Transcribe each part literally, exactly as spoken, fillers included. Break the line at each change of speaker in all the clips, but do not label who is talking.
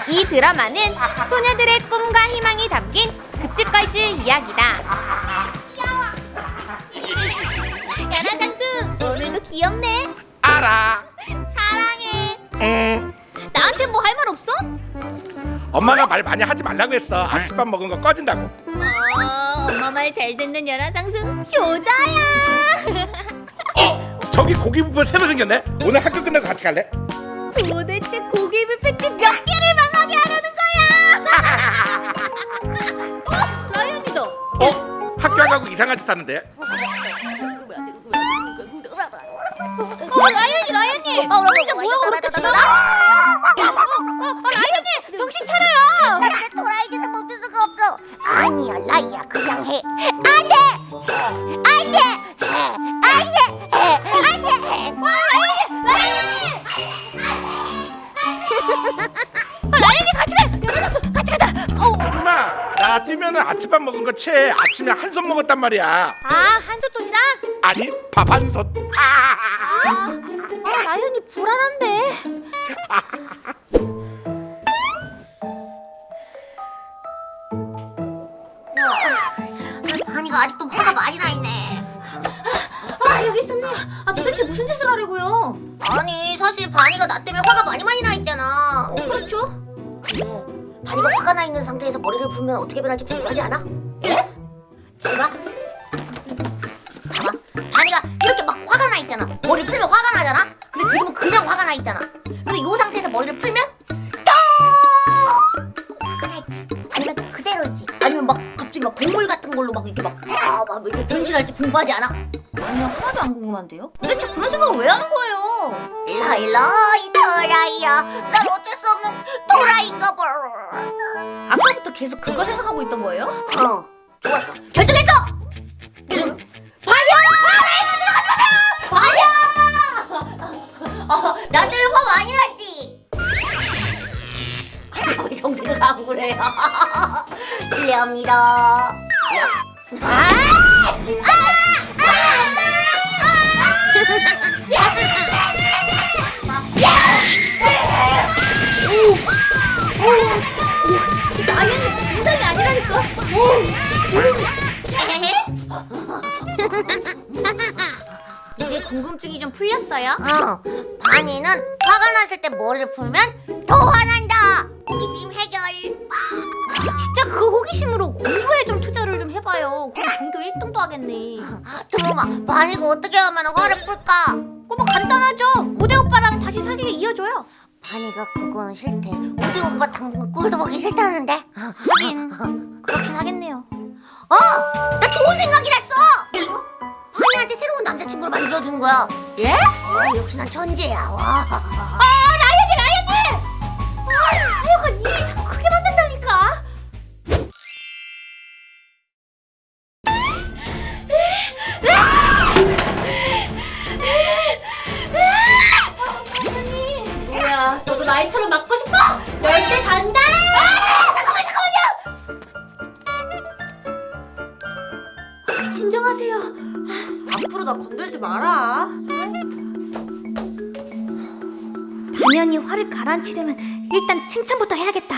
이 드라마는 소녀들의 꿈과 희망이 담긴 급식걸즈 이야기다. 야나 상수, 오늘도 귀엽네.
알아.
사랑해.
응.
나한테 뭐 할 말 없어?
엄마가 말 많이 하지 말라고 했어. 아침밥 먹은 거 꺼진다고.
어, 엄마 말 잘 듣는 연하 상수 효자야.
어? 저기 고기 뷔페 새로 생겼네. 오늘 학교 끝나고 같이 갈래?
도대체 고기 뷔페집 몇 개를 망하게 하려는 거야? 어? 라이언이다.
어? 학교 안 가고 이상한 짓 하는데.
어, 라이언이 라이언이. 아, 진짜 뭐야 그렇게 지나가? 어, 어, 라이언이 정신 차려요.
나한테 도라이 짓을 멈출 수가 없어. 아니야 라이야 그냥 해. 안돼 안돼 안돼 안돼.
어, 라이언이 라이언이. 어, 라이언이 같이 가. 연하 같이 가자. 어.
엄마, 나 뛰면은 아침밥 먹은 거 채. 아침에 한 손 먹었단 말이야.
아, 한솥 도시락?
아니, 밥 한 손.
아, 라이언이 불안한데.
바니가 아직도 화가 많이 나 있네.
아, 여기 있었네. 아, 도대체 무슨 짓을 하려고요?
아니 사실 바니가 나 때문에 화가 많이 많이 나 있잖아.
어, 그렇죠.
근데 바니가 화가 나 있는 상태에서 머리를 풀면 어떻게 변할지 궁금하지 않아?
예?
잘 봐. 봐봐. 바니가 이렇게 막 화가 나 있잖아. 머리를 풀면 화가 나잖아. 근데 지금은 그냥 화가 나 있잖아. 근데 이 상태에서 머리를 풀면 또 화가 나 있지. 아니면 그대로 있지. 아니면 막 갑자기 막 동물 같은 걸로 막 이렇게 막 아, 막 이렇게 변신할지 궁금하지 않아?
아니요, 하나도 안 궁금한데요? 도대체 그런 생각을 왜 하는 거예요?
라일라이 도라이야. 난 어쩔 수 없는 도라이인가 봐.
아까부터 계속 그거 생각하고 있던 거예요?
어, 좋았어. 결정했어. 응. 반영! 반영! 어, 나 때문에 화 많이 났지. 왜 정색을 하고 그래요? 실례합니다.
아, 진짜! 라이언이 인상이 아니라니까. 이제 궁금증이 좀 풀렸어요?
어, 바니는 화가 났을 때 머리를 풀면 더 화난다. 호기심 해결.
아, 진짜 그 호기심으로 공부에 좀 투자를 좀 해봐요. 그럼 전교 일 등도 하겠네.
잠깐만, 바니가 어떻게 하면 화를 풀까?
그거 뭐 간단하죠. 모대 오빠랑 다시 사귀게 이어줘요.
바니가 그거는 싫대. 우리 오빠 당분간 꼴도 보기 싫다는데.
하긴 그렇긴 하겠네요.
어! 나 좋은 생각이 났어! 바니한테 새로운 남자친구를 만들어준 거야.
예?
어, 역시 난 천재야. 와.
아, 라이언이 라이언이! 아, 하여간 일이 자꾸 크게 만든다니까. 언니, 뭐야? 너도 나이처럼 맞고 싶어? 열대 간다! 아, 잠깐만, 잠깐만요! 진정하세요. 앞으로 나 건들지 마라. 당연히 화를 가라앉히려면 일단 칭찬부터 해야겠다.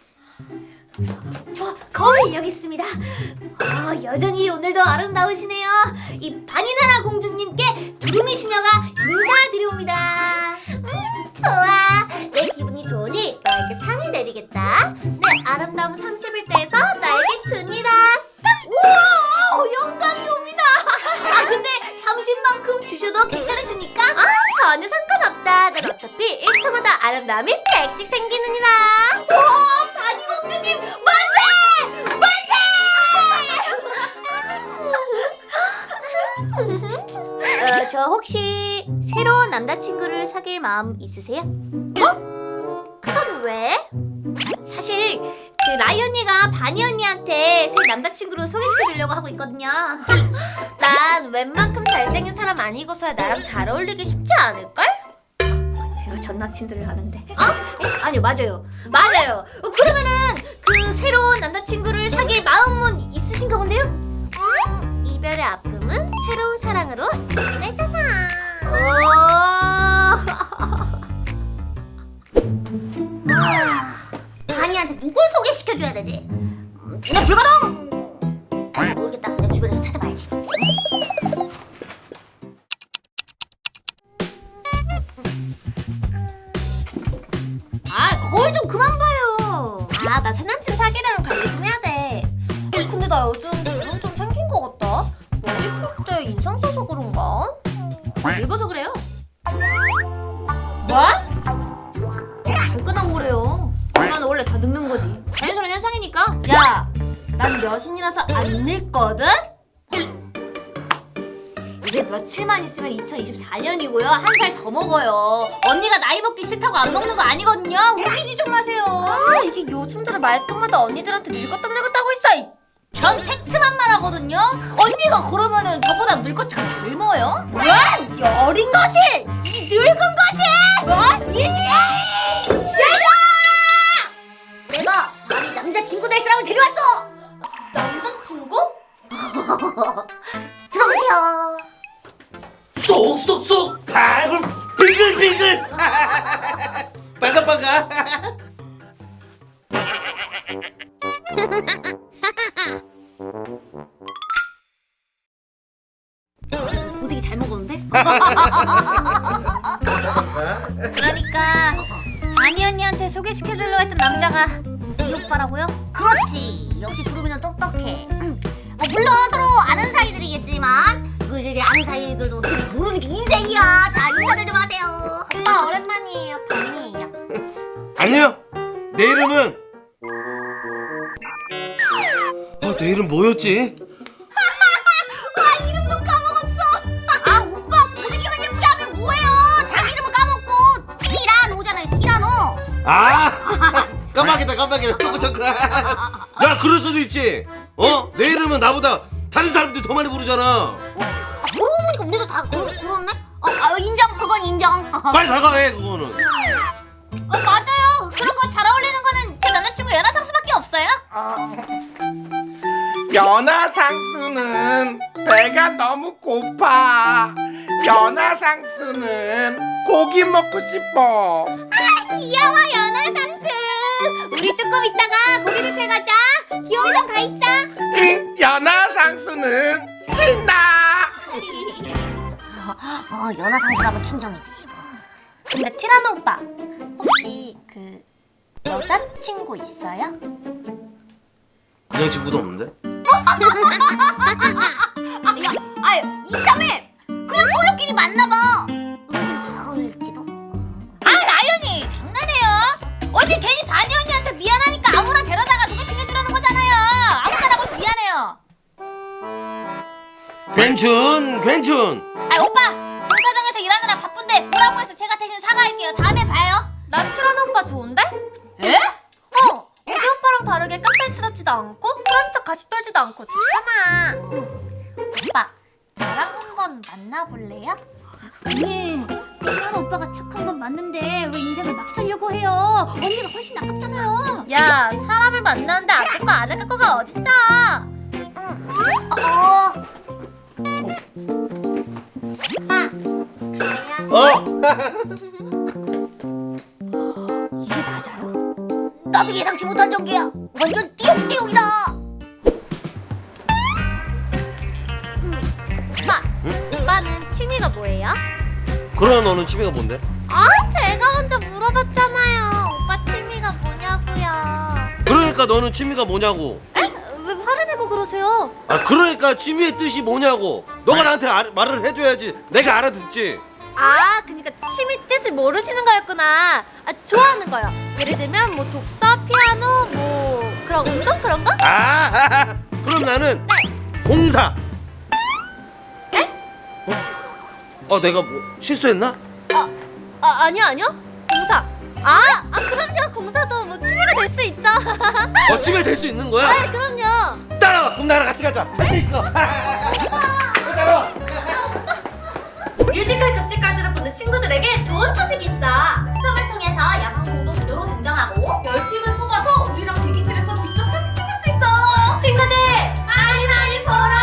어, 거울 여기 있습니다. 어, 여전히 오늘도 아름다우시네요. 이 바니나라 공주님께 두루미 시녀가 인사드려옵니다.
음, 좋아. 내 기분이 좋으니 너에게 상을 내리겠다.
내 아름다움 삼십 일대에서 나에게 주니라. 우와, 영광이옵니다. 아, 근데 삼십만큼 주셔도 괜찮으십니까? 아, 전혀 상관없다. 난 어차피 일 초마다 아름다움이 백씩 생기느니라. 오, 바니 공주님 만세! 만세! 어, 저 혹시 새로운 남자친구를 사귈 마음 있으세요? 어? 그건 왜? 사실 그 라이 언니가 바니 언니한테 새 남자친구로 소개시켜주려고 하고 있거든요. 난 웬만큼 잘생긴 사람 아니고서야 나랑 잘 어울리기 쉽지 않을걸? 내가 전 남친들을 하는데. 어? 에? 아니요, 맞아요. 맞아요. 어, 그러면은 그 새로운 남자친구를 사귈 마음은 있으신가 본데요? 음, 이별의 아픔은 새로운 사랑으로 이겨내잖아. 오.
언니한테 누굴 소개시켜줘야 되지? 음, 그냥 불가동! 아, 모르겠다. 그냥 주변에서 찾아봐야지.
아, 거울 좀 그만 봐요. 아, 나 새남친 사귀려면 관리 좀 해야 돼. 어, 근데 나 요즘 주름 좀 생긴 것 같다. 머리 풀 때 인상 써서 그런가? 늙어서 그래요. 뭐? 왜 끄나고 그래요? 난 원래 다 늙는 거지. 자연스러운 현상이니까. 야, 난 여신이라서 안 늙거든? 이제 며칠만 있으면 이천이십사 년이고요. 한 살 더 먹어요. 언니가 나이 먹기 싫다고 안 먹는 거 아니거든요. 웃기지 좀 마세요. 아, 이게 요즘 들어 말끝마다 언니들한테 늙었다 늙었다고 있어. 전 팩트만 말하거든요. 언니가 그러면은 저보다 늙었지가 젊어요? 뭐? 이 어린 것이! 이 늙은 것이! 뭐? 이! 얘가!
내가 아니 남자친구 될 사람을 데려왔어!
남자친구?
들어오세요.
쏙쏙쏙 발굴 빙글빙글 빨가 빨가.
오되게 잘 먹었는데? 그러니까 바니 언니한테 소개시켜주려고 했던 남자가 이 오빠라고요?
그렇지. 역시 두루미는 똑똑해. 음. 뭐 물론 서로 아는 사이들이겠지만 그 이제 아는 사이들도 모르는 게 인생이야. 자, 인사를 좀 하세요.
오빠 오랜만이에요. 바니예요.
아니요, 내 이름은 아, 내 이름 뭐였지?
아, 이름도 까먹었어. 아, 오빠 고데기만 예쁘게 하면 뭐해요? 자기 이름을 까먹고 티라노잖아요. 티라노.
아 깜빡이다 깜빡이다. 초크 초크. 야, 그럴 수도 있지. 어? 내 이름은 나보다 다른 사람들이 더 많이 부르잖아.
아, 그러고 보니까 우리도 다 그러, 그렇네. 어, 아, 인정. 그건 인정.
빨리 사과해 그거는.
어 맞아요. 그런 거 잘 어울리는 거는 제 남자친구 연하상수밖에 없어요.
연하상수는 배가 너무 고파. 연하상수는 고기 먹고 싶어.
귀여워 연하상수. 우리 조금 있다가 고기 뷔페 가자. 기호이랑 가 있자.
응, 연하상수는 신나.
어, 연하상수라면 킹정이지.
근데 티라노 오빠 혹시 그 여자친구 있어요?
그냥 친구도 없는데?
아, 야, 아, 이참에 그냥 솔로끼리 만나봐. 은근히 잘 어울릴지도.
아 라연이 장난해요. 언니 괜히 바니 언니한테 미안하니까 아무나 데려다가 누가 챙겨주려는 거잖아요. 아무나라고 해서 미안해요.
괜춘 괜춘.
아 오빠 공사장에서 일하느라 바쁜데 뭐라고 해서 제가 대신 사과할게요. 다음에 봐요. 난 티라노 오빠 좋은데? 에? 어 우리 오빠랑 다르게 깜짝스럽지도 않고 그런 척 가시 떨지도 않고 좋잖아. 오빠 저랑 한번 만나볼래요? 언니 티라노 오빠가 착한 건 맞는데 왜 인생을 막 쓰려고 해요? 언니가 훨씬 아깝잖아요. 야 사람을 만나는데 아깝고 안 아깝고가 어딨어. 응.
어,
어?
이게 맞아요?
나도 예상치 못한 전개야. 완전 띠용띠용이다.
오빠 오빠는 취미가 뭐예요?
그럼 너는 취미가 뭔데?
아 제가 먼저 물어봤잖아요. 오빠 취미가 뭐냐고요.
그러니까 너는 취미가 뭐냐고.
에? 왜 화를 내고 그러세요?
아, 그러니까 취미의 뜻이 뭐냐고. 너가 나한테 알, 말을 해줘야지 내가 알아듣지.
아 그러니까 취미 뜻을 모르시는 거였구나. 아 좋아하는 거요. 예를 들면 뭐 독서, 피아노, 뭐 그런 운동 그런 거?
아, 그럼 나는
네.
공사. 어? 어, 내가 뭐 실수했나?
아, 아 아니요 아니요. 공사. 아, 아 그럼요. 공사도 뭐 취미가 될 수 있죠.
어, 취미가 될 수 있는 거야?
아 그럼요.
따라와, 그럼 나랑 같이 가자. 할 수 있어. 따라와.
뮤지컬 급식까지로 보는 친구들에게 좋은 소식이 있어. 추첨을 통해서 야방 공동 무료로 증정하고 열 팀을 뽑아서 우리랑 대기실에서 직접 사진 찍을 수 있어. 친구들 많이 많이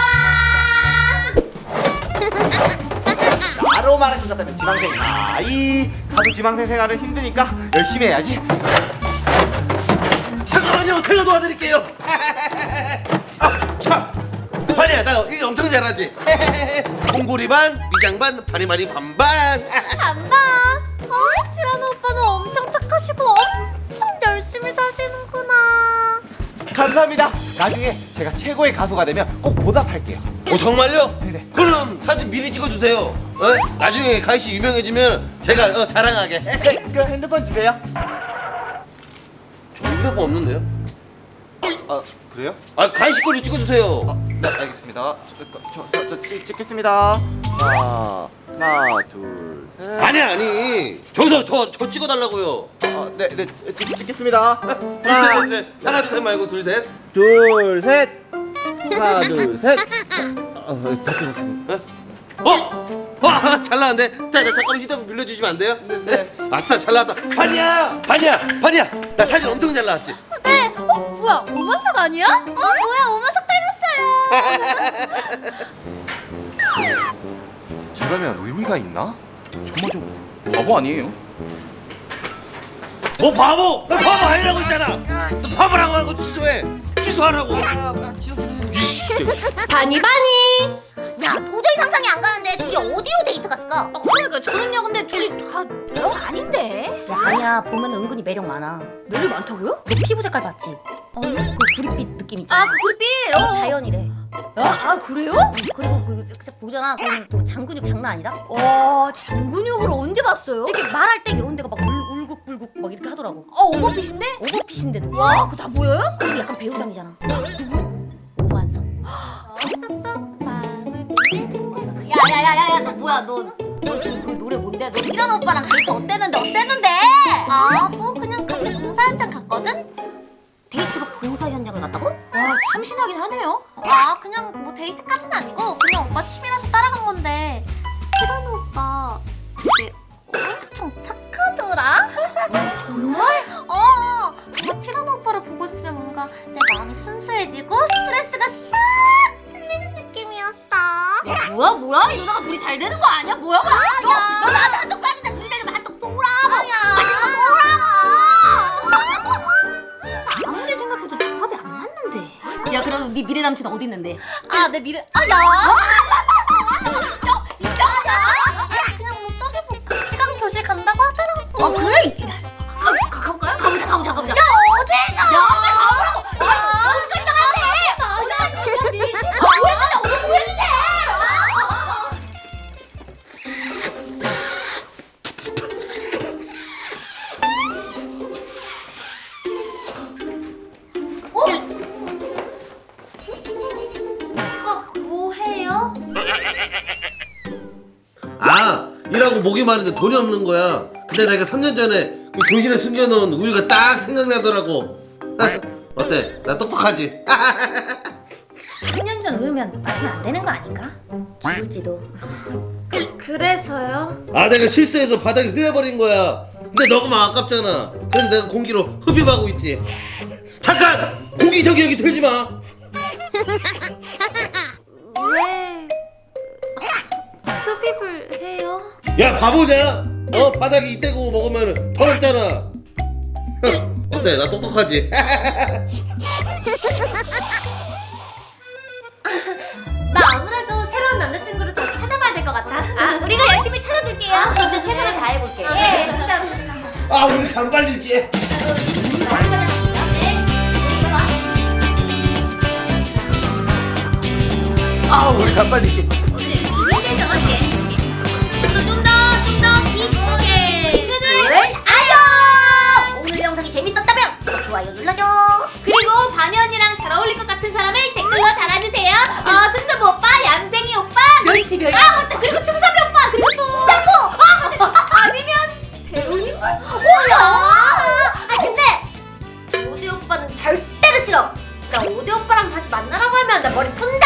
보러 와.
바로 말할 것 같다면 지망생. 아이, 다들 지망생 생활은 힘드니까 열심히 해야지. 슥!
제가 도와드릴게요. 아, 참. 반이야, 나 일 엄청 잘하지. 콩고리 반, 미장 반, 바니바니 반반.
간다. 아, 티라노 오빠는 엄청 착하시고 엄청 열심히 사시는구나.
감사합니다. 나중에 제가 최고의 가수가 되면 꼭 보답할게요.
어, 정말요?
네네.
그럼 사진 미리 찍어주세요. 어? 나중에 가희 씨 유명해지면 제가 어, 자랑하게.
네, 그 핸드폰 주세요.
저 휴대폰 없는데요?
아, 그래요?
아, 가희 씨 거를 찍어주세요.
어, 네, 알겠습니다. 저, 저, 저, 저 찍, 찍겠습니다. 자, 하나, 둘, 셋.
아니 아니. 저기서 저 저 찍어달라고요.
어, 네, 네, 찍, 찍겠습니다.
둘셋 둘 셋. 하나 둘 셋 말고 둘 셋.
둘, 셋. 하나, 둘, 셋. 어, 다 찍었습니다.
어? 와, 잘 나왔는데. 자, 자, 잠깐 휴대폰 빌려주시면 안 돼요?
네.
아싸, 잘 나왔다. 반이야, 반이야, 반이야. 나 사진 엄청 잘 나왔지.
네. 어, 뭐야? 오만석 아니야? 어, 뭐야? 오만석 닮았어요.
저러면 의미가 있나?
정말 좀 바보 아니에요?
뭐 바보? 나 바보 아니라고 했잖아. 너 바보라고 한 거 취소해. 취소하라고.
바니 바니.
야, 도저히 상상이 안 가는데 둘이 어디로 데이트 갔을까?
아, 그러니까 저는요, 근데 둘이 다영 아닌데.
야, 아니야. 보면 은근히 매력 많아.
매력 많다고요?
너 피부 색깔 봤지?
아니?
그 구릿빛 느낌 있잖아.
아, 그 구릿빛. 어.
자연이래.
아, 아 그래요?
그리고 그 진짜 보잖아. 그럼 또 장근육 장난 아니다.
와, 장근육을 언제 봤어요?
이렇게 말할 때 이런 데가 막 울, 울국불국 막 이렇게 하더라고.
어, 오버핏인데?
오버핏인데도.
와, 그거 다 보여요?
그리고 약간 배우상이잖아. 누구? 오만석. 야야야야야, 너 뭐야? 너 너 지금 그 노래 뭔데? 너 티라노 오빠랑 데이트 어땠는데? 어땠는데?
아, 뭐 그냥 같이 봉사 현장 갔거든?
데이트로 봉사 현장을 갔다고?
와, 참신하긴 하네요. 아, 그냥 뭐 데이트까지는 아니고 그냥 오빠 취미라서 따라간 건데 티라노 오빠 되게 엄청 착하더라.
정말?
어, 뭔가 티라노 오빠를 보고 있으면 뭔가 내 마음이 순수해지고 스트레스가 샥 풀리는 느낌이었어.
야, 뭐야 뭐야? 이 누나가 둘이 잘 되는 거 아니야? 뭐야 뭐야? 너, 너 나한테 한턱 쏴야겠다. 둘이 되려면 한턱 쏘라고. 맛있는 거 쏘라고. 아무리 생각해도 조합이 안 맞는데. 야, 그럼 네 미래 남친 어디 있는데?
아, 내 미래. 아, 야. 그냥 뭐 저기 뭐그 시간 교실 간다고 하더라고.
아, 그래?
가, 가, 가볼까요?
가보자 가보자 가보자.
야, 어딜 가?
야, 빨리 가보라고. 아, 어디까지 나가는데?
아, 나 진짜 밀지
아, 보여주세요. 어디 보여주세요.
어, 뭐 해요?
아, 일하고 목이 마른데 돈이 없는 거야. 근데 내가 삼 년 전에 그 교실에 숨겨놓은 우유가 딱 생각나더라고. 어때? 나 똑똑하지?
삼 년 전 우유면 마시면 안 되는 거 아닌가? 죽을지도.
그래서요?
아, 내가 실수해서 바닥에 흘려버린 거야. 근데 너무 아깝잖아. 그래서 내가 공기로 흡입하고 있지. 잠깐! 공기 저기여기 틀지 마.
왜 흡입을 해요?
야, 바보냐? 어, 바닥에 이때고 먹으면 더럽잖아. 어때? 나 똑똑하지?
나 아무래도 새로운 남자친구를 다시 찾아봐야 될 것 같아. 아, 우리가 열심히 찾아줄게요.
아, 진짜 최선을 다해볼게.
예, 진짜로.
아, 우리 간발리지. 아, 우리 간발리지.
오늘 영상이 재밌었다면 좋아요 눌러줘.
그리고 바니 언니랑 잘 어울릴 것 같은 사람을 댓글로 달아주세요. 어, 순두부 오빠, 얌생이 오빠,
멸치 멸치.
아 맞다. 그리고 충섭이 오빠, 그리고 또 땅고. 아 근데 아니면 새로운 인물.
뭐야? 아, 근데 오디 오빠는 절대로 싫어. 나 오디 오빠랑 다시 만나라고 하면 나 머리 푼다.